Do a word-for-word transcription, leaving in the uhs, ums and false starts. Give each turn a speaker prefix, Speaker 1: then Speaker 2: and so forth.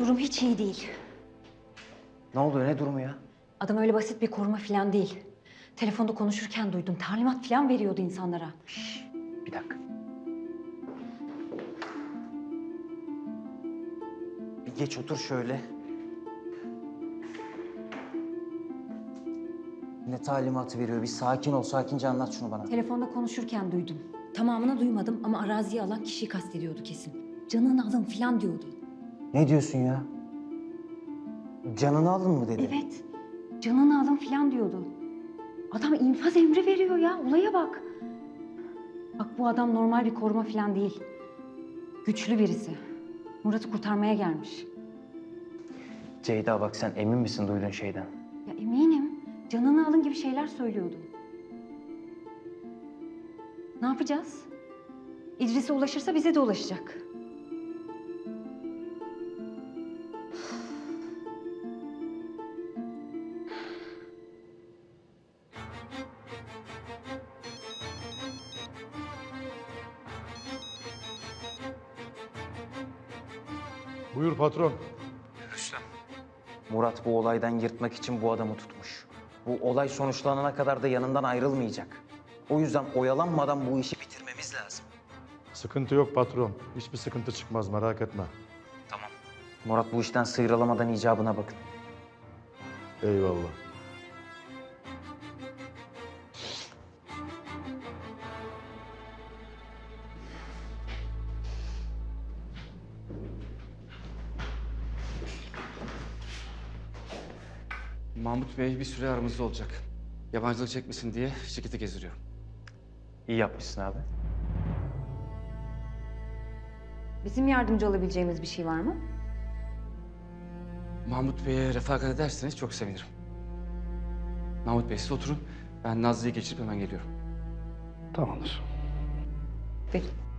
Speaker 1: Durum hiç iyi değil.
Speaker 2: Ne oluyor, ne durumu ya?
Speaker 1: Adam öyle basit bir koruma falan değil. Telefonda konuşurken duydum. Talimat falan veriyordu insanlara.
Speaker 2: Bir dakika. Bir geç otur şöyle. Ne talimatı veriyor? Bir sakin ol, sakince anlat şunu bana.
Speaker 1: Telefonda konuşurken duydum. Tamamını duymadım ama araziye alan kişiyi kastediyordu kesin. Canını alın falan diyordu.
Speaker 2: Ne diyorsun ya? Canını alın mı dedi?
Speaker 1: Evet. Canını alın falan diyordu. Adam infaz emri veriyor ya. Olaya bak. Bak bu adam normal bir koruma falan değil. Güçlü birisi. Murat'ı kurtarmaya gelmiş.
Speaker 2: Ceyda bak, sen emin misin duyduğun şeyden?
Speaker 1: Ya eminim. Canını alın gibi şeyler söylüyordu. Ne yapacağız? İdris'e ulaşırsa bize de ulaşacak.
Speaker 3: Buyur patron.
Speaker 2: Rüstem. Murat bu olaydan yırtmak için bu adamı tutmuş. Bu olay sonuçlanana kadar da yanından ayrılmayacak. O yüzden oyalanmadan bu işi bitirmemiz lazım.
Speaker 3: Sıkıntı yok patron. Hiçbir sıkıntı çıkmaz, merak etme.
Speaker 2: Tamam. Murat bu işten sıyrılamadan icabına bakın.
Speaker 3: Eyvallah.
Speaker 4: Mahmut Bey bir süre aramızda olacak. Yabancılık çekmesin diye şirketi gezdiriyorum.
Speaker 2: İyi yapmışsın abi.
Speaker 1: Bizim yardımcı olabileceğimiz bir şey var mı?
Speaker 4: Mahmut Bey'e refakat ederseniz çok sevinirim. Mahmut Bey siz oturun. Ben Nazlı'yı geçirip hemen geliyorum.
Speaker 3: Tamamdır.
Speaker 1: Peki.